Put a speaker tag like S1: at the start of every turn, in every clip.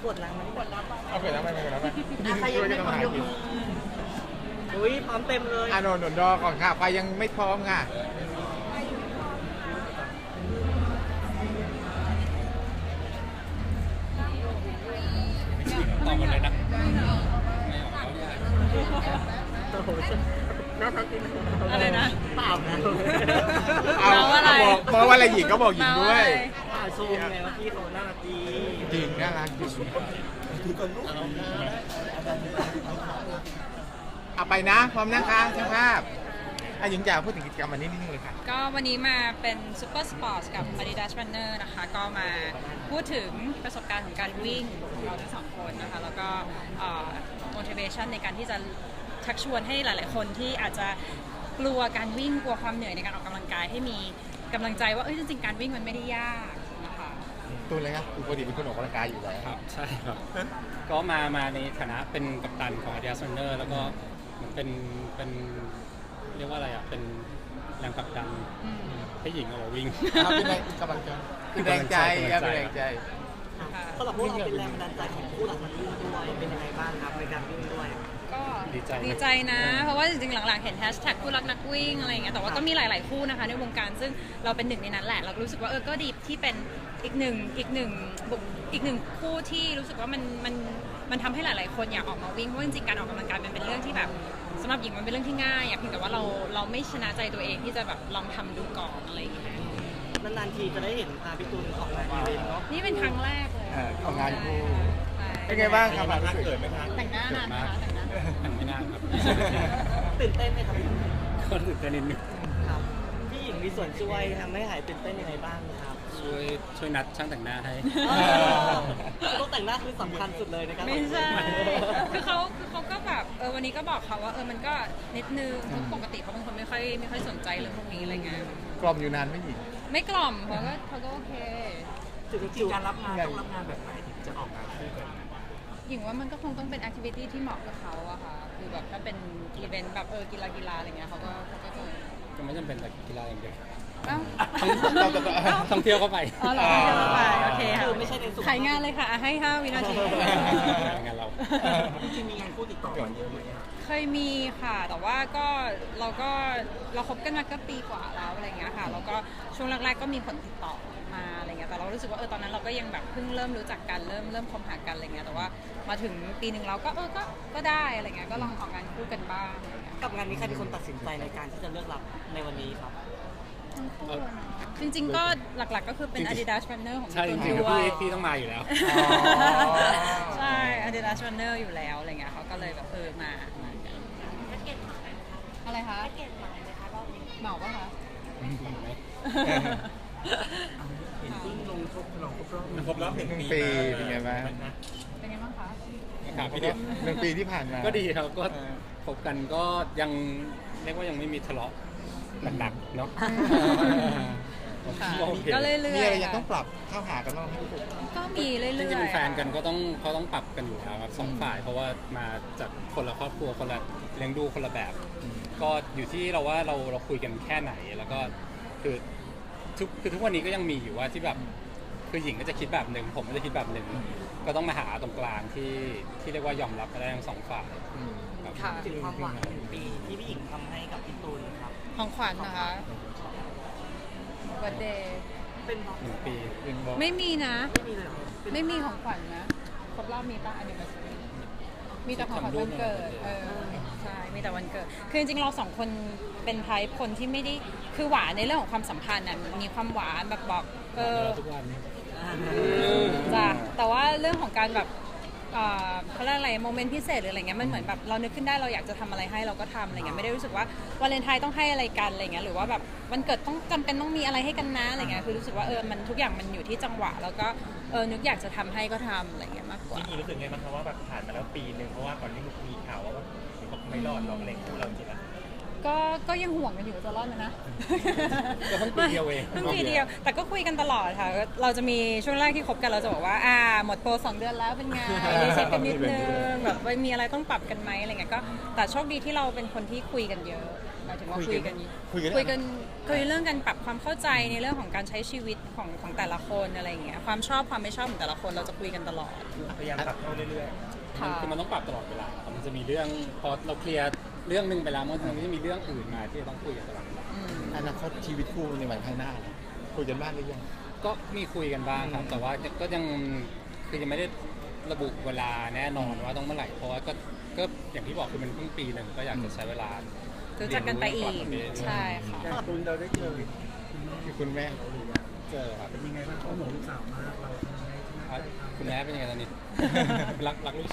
S1: กดล้างมันกดล้างไป
S2: เอาเกิดแล้วไม่เป็นไรไม่
S1: ใครยังไม่พร้อมยกมืออุ้ยพร้อมเต็มเลย
S2: อ่ะหนุนดอก่อนค่ะไฟยังไม่พร้อมค่ะ
S3: ตอบหมดเลยนะ
S1: โอ้โหน่าทักกินอะไรนะเปล่านะ
S2: เอาอะไรบอกว่าอะไรหญิงก็บอกหญิงด้วย
S1: ชมไงว่าพี่เขาน่ารักดี
S2: จริงน่ารักจริงเอาไปนะพร้อมนะคะช่างภาพหญิงจ๋าพูดถึงกิจกรรมวันนี้นิดนึงเลยค่ะ
S4: ก็วันนี้มาเป็นซูเปอร์สปอร์ตกับ Adidas Runner นะคะก็มาพูดถึงประสบการณ์ของการวิ่งของเราทั้งสองคนนะคะแล้วก็motivation ในการที่จะชักชวนให้หลายๆคนที่อาจจะกลัวการวิ่งกลัวความเหนื่อยในการออกกำลังกายให้มีกำลังใจว่าจริงๆการวิ่งมันไม่ได้ยากนะคะ
S2: ตูนเลยครับปกติเป็นคนออกกำลังกายอยู่แล้ว
S3: ครับใช่ครับก็มาในฐานะเป็นกัปตันของ Adidas Runner แล้วก็เหมือนเป็นเรียกว่าอะไรอ่ะเป็นแรงผลักดันให้หญิงออกมาวิ่ง
S2: เป็นแรงกำลังใจเป็นแรงใจเป็นแรงใจ
S1: สำหรับพวกเราเป็นแรงบันดาลใจของผู้หลักนักวิ่งด้วยเป็นยังไงบ้างครับในการวิ่งด้วย
S4: ก็ดีใจนะเพราะว่าจริงๆหลังๆเห็นแฮชแท็กคู่รักนักวิ่งอะไรอย่างเงี้ยแต่ว่าก็มีหลายๆคู่นะคะในวงการซึ่งเราเป็นหนึ่งในนั้นแหละเรารู้สึกว่าก็ดีที่เป็นอีกหนึ่งคู่ที่รู้สึกว่ามันทำให้หลายๆคนอยากออกมาวิ่งเพราะจริงๆการออกกำลังกายมันเป็นเรื่องที่แบบสำหรับหญิงมันเป็นเรื่องที่ง่ายเพียงแต่ว่าเราไม่ชนะใจตัวเองที่จะแบบลองทำดูก่อนอะไรอย่างเงี้ย
S1: นานๆทีจะได้เห็นพี่ตูนออกงานอีเวนต์เนาะ
S4: นี่เป็นครั้งแรกเลย
S2: ของงานคู่เป็นไงบ้างครับรู้สึก
S4: แต่งหน้านานไหมคะ
S3: แต่งไม่นานครับ
S1: ตื่นเต้นไหมครับ
S3: ก็ตื่นเต้นนิดนึง
S1: ครับพี่หญิงมีส่วนช่วยทำให้หายตื่นเต้นยังไงบ้างครับ
S3: ช่วยนัดช่างแต่งหน้าให้
S1: ต้องแต่งหน้าคือสำคัญสุดเลยนะครับ
S4: ไม่ใช่คือเขาก็แบบวันนี้ก็บอกเขาว่ามันก็นิดนึงเพราะปกติเขาเป็นคนไม่ค่อยสนใจเรื่องพวกนี้อะไรเงี้ย
S2: กล่อมอยู่นานไม่หญิง
S4: ไม่กล่อมเขาก็โอเค
S1: จริงๆการรับงานต้องรับงานแบบไหนถึงจะออกงานคู่กัน
S4: หญิงว่ามันก็คงต้องเป็นแอคทิวิตี้ที่เหมาะกับเขาอะค่ะคือแบบถ้าเป็นอีเวนต์แบบกีฬาอะไรเงี้ยเขาก็
S3: ก็ไม่จำเป็นแต่กีฬาอย่างเดียว
S4: ท่
S3: องเที่ยวเข้าไป
S4: อ๋อเหรอท่องเที่ยวเข้าไปโอเคค่ะ
S1: ไม่ใช่ในส่วน
S4: ขายงานเลยค่ะให้5 วินาที
S3: งานเรา
S1: จริงๆมีงานคู่ติดต่อกันเยอะไหม
S4: เคยมีค่ะแต่ว่าเราคบกันมาก็ปีกว่าแล้วอะไรเงี้ยค่ะแล้วก็ช่วงแรกๆก็มีคนติดต่อมาอะไรเงี้ยแต่เรารู้สึกว่าตอนนั้นเราก็ยังแบบเพิ่งเริ่มรู้จักกันเริ่มคบหากันอะไรเงี้ยแต่ว่ามาถึงปีหนึ่งเราก็ได้อะไรเงี้ยก็ลองออกงานคู่กันบ้าง
S1: กับงานนี้ใครเป็นคนตัดสินใจในการที่จะเลือกรับในวันนี้ครับ
S4: จริงๆก็หลักๆก็คือเป็น Adidas Runner ของ
S3: ตัวด้วยพี่ต้องมาอยู่แล้ว
S4: ใช่ Adidas Runner อยู่แล้วอะไรเงี้ยเขาก็เลยแบบมาอะไรคะเหมาป่ะคะ
S1: เห็นที่ลงครบรอบ
S2: 1 ปีเป็นไงบ้าง
S4: คะ
S3: ครับพี่เด็ก
S2: 1 ปีที่ผ่านมา
S3: ก็ดีครับก็พบกันก็ยังเรียกว่ายังไม่มีทะเลาะหนักๆเนาะ
S4: ก็เรื่อยๆ
S2: มีอะไรยังต้องปรับเข้าหากันบ้าง
S4: ก็มีเรื่อยๆ
S3: จริงๆเป็นแฟนกันก็ต้องปรับกันอยู่แล้วครับ2 ฝ่ายเพราะว่ามาจากคนละครอบครัวคนละเลี้ยงดูคนละแบบก็อยู่ที่เราว่าเราคุยกันแค่ไหนแล้วก็คือทุกวันนี้ก็ยังมีอยู่ว่าที่แบบคือหญิงก็จะคิดแบบหนึ่งผมก็จะคิดแบบหนึ่งก็ต้องมาหาตรงกลางที่เรียกว่ายอมรับกันได้ทั้ง2 ฝ่าย
S1: ถึงความหวังปีที่พี่หญิงทำให้กับพี่ตูนครับ
S4: ของขวัญนะคะวันเดย์
S1: เป็น
S3: 1 ปี
S4: ไม่มีนะ
S1: ไม่มีเลย
S4: ไม่มีของขวัญนะครบรอบมีป่ะอันนี้มีแต่ของขวัญวันเกิดใช่มีแต่วันเกิดคือจริงๆเรา2 คนเป็นไทป์คนที่ไม่ได้คือหวานในเรื่องของความสัมพันธ์น่ะมีความหวานแบบบอก
S3: ทุกวัน
S4: จ้ะแต่ว่าเรื่องของการแบบเขาเรียกอะไรโมเมนต์พิเศษหรืออะไรเงี้ยมันเหมือนแบบเรานึกขึ้นได้เราอยากจะทำอะไรให้เราก็ทำอะไรเงี้ยไม่ได้รู้สึกว่าวาเลนไทน์ต้องให้อะไรกันอะไรเงี้ยหรือว่าแบบวันเกิดต้องจำเป็นต้องมีอะไรให้กันนะอะไรเงี้ยคือรู้สึกว่ามันทุกอย่างมันอยู่ที่จังหวะแล้วก็นึกอยากจะทำให้ก็ทำอะไรเงี้ยมากกว่า
S1: จริงๆรู้สึกไงบ้างคะว่าแบบผ่านมาแล้วปีนึงเพราะว่าก่อนที่มีข่าวว่าไม่รอดหรอกอะไรคู่เราจริงๆ
S4: ก็ยังห่วงกันอยู่จะรอดไหมนะ
S3: ก็เพิ่งปีเดียวเอง
S4: เพิ่งปีเดียว แต่ก็คุยกันตลอดค่ะ เราจะมีช่วงแรกที่คบกันเราจะบอกว่าหมดโปร2 เดือนแล้วเป็นไงรีเช็คกันนิดนึงแบบว่ามีอะไรต้องปรับกันไหมอะไรเงี้ยก็แต่โชคดีที่เราเป็นคนที่คุยกันเยอะหมายถึงว่าคุยกันเรื่องการปรับความเข้าใจในเรื่องของการใช้ชีวิตของแต่ละคนอะไรเงี้ยความชอบความไม่ชอบของแต่ละคนเราจะคุยกันตลอด
S3: พยายามปรับเข้าเรื่อย
S4: ค่ะ
S3: คือมันต้องปรับตลอดเวลาครับมันจะมีเรื่องพอเราเคลียร์เรื่องหนึงไปแล้วมันจะมีเรื่องอื่นมาที่จะต้องคุยกันตลอดเวลา
S2: อนาคตชีวิตคู่ในวันข้างหน้าล่ะคุยกันบ้างหรือยัง
S3: ก็มีคุยกันบ้างครับ แต่ว่าก็ยังคือยังไม่ได้ระบุเวลาแน่นอนว่าต้องเมื่อไหร่เพราะว่าก็อย่างที่บอกคือมันเพิ่งปีหนึ่งก็อยากจะใช้เวลา
S4: รู้จักกันไปอีกใช่ค่ะ
S2: คุณเราได้เจอคือคุณแม่
S3: เจอครับ
S5: เป็นยังไงบ้างเขาห่วงลูกสาวมากเราทำยังไงที่น่าจะทำ
S3: คุณแม่เป็นยังไงตอนนี้ รักลูก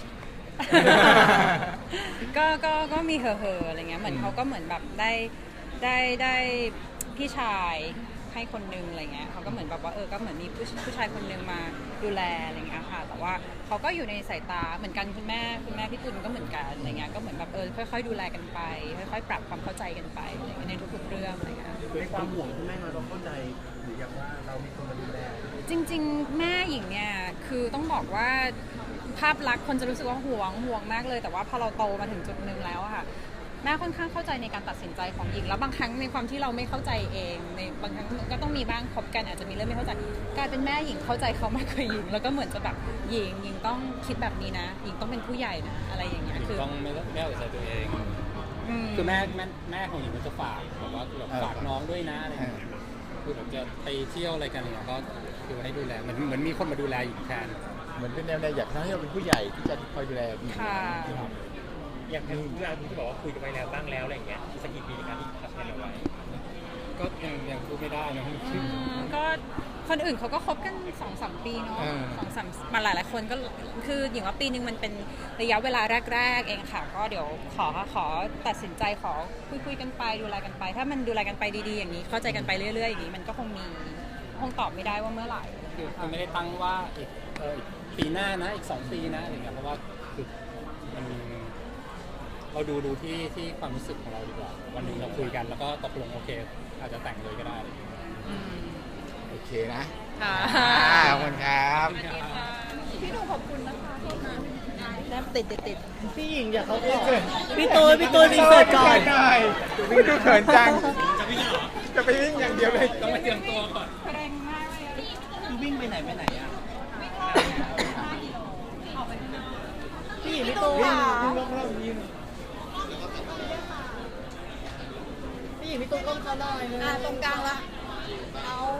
S4: ก็มีเหอะๆอะไรเงี้ยเหมือนเขาก็เหมือนแบบได้พี่ชายให้คนนึงอะไรเงี้ยเขาก็เหมือนแบบว่าก็เหมือนมีผู้ชายคนนึงมาดูแลอะไรเงี้ยค่ะแต่ว่าเขาก็อยู่ในสายตาเหมือนกันคุณแม่พี่ตุลก็เหมือนกันอะไรเงี้ยก็เหมือนแบบค่อยๆดูแลกันไปค่อยๆปรับความเข้าใจกันไปอะไรเงี้ยในทุกๆเรื่องอะไรเงี้ย
S5: ในความห่วงคุณแม่เราเข้าใจหรือยังว่าเรามีคนมาดูแล
S4: จริงๆแม่หญิงเนี่ยคือต้องบอกว่าภาพลักษณ์คนจะรู้สึกว่าห่วงมากเลยแต่ว่าพอเราโตมาถึงจุดหนึ่งแล้วอะค่ะแม่ค่อนข้างเข้าใจในการตัดสินใจของหญิงแล้วบางครั้งในความที่เราไม่เข้าใจเองในบางครั้งก็ต้องมีบ้างคบกันอาจจะมีเรื่องไม่เข้าใจกลายเป็นแม่หญิงเข้าใจเขามากกว่าหญิงแล้วก็เหมือนจะแบบหญิงต้องคิดแบบนี้นะหญิงต้องเป็นผู้ใหญ่นะอะไรอย่างเงี้ยคือ
S3: ต้องไม่เอาใจตัวเอง คือแม่ของหญิงมันจะฝากแบบว่าแบบฝากน้องด้วยนะอะไรอย่างเงี้ยคือแบบจะไปเที่ยวอะไรกันอะไรเงี้ยก็คือให้ดูแลเหมือนมีคนมาดูแลหญิงแทน
S2: เหมือนเป็นแนวอยากให้เราเป็นผู้ใหญ่ที่จะคอยดูแลดี
S4: ค่ะ
S6: อย่างที่เรื่องที่บอกว่าคุยกันไปแล้วบ้างแล้วอะไรอย่างเงี้ยสกกี่ปีในการที่ทำงานเอาไว้
S3: ก็ยังพูดไม่ได้นะ
S4: ก็คนอื่นเขาก็คบกัน 2-3 ปีเนาะ2-3มาหลายๆคนก็คือหญิงว่าปีนึงมันเป็นระยะเวลาแรกๆเองค่ะก็เดี๋ยวขอตัดสินใจขอคุยกันไปดูแลกันไป ถ้ามันดูแลกันไปดีๆอย่างนี้เข้าใจกันไปเรื่อยๆอย่างนี้มันก็คงตอบไม่ได้ว่าเมื่อไหร่
S3: คือไม่ได้ตั้งว่าอีกปีหน้านะอีก2 ปีนะอะไรเงี้ยเพราะว่าคือมันเราดูที่ความรู้สึกของเราดีกว่าวันหนึ่งเราคุยกันแล้วก็ตกลงโอเคอาจจะแต่งเลยก็ได้
S2: โอเคนะ
S4: ค่ะ
S2: ขอบคุณครับ
S4: พี่หนูขอบคุณนะคะโทษนะแนบติด
S1: พี่หญิงอย่าเขาก่อนพี่ตูนรีเสิร์ชก่อน
S2: ไม่ดูเขินจัง จะไปวิ่งอย่างเดียวเลย
S3: ต้องมาเตรียมตัวก่อน
S4: แรงมากเลย
S1: คือวิ่งไปไหนอ่ะพี่หญิงพี่ตูนพี่หญิงพี่ตูนก้มเขาหน่อยนึง
S4: ตรงกลางละ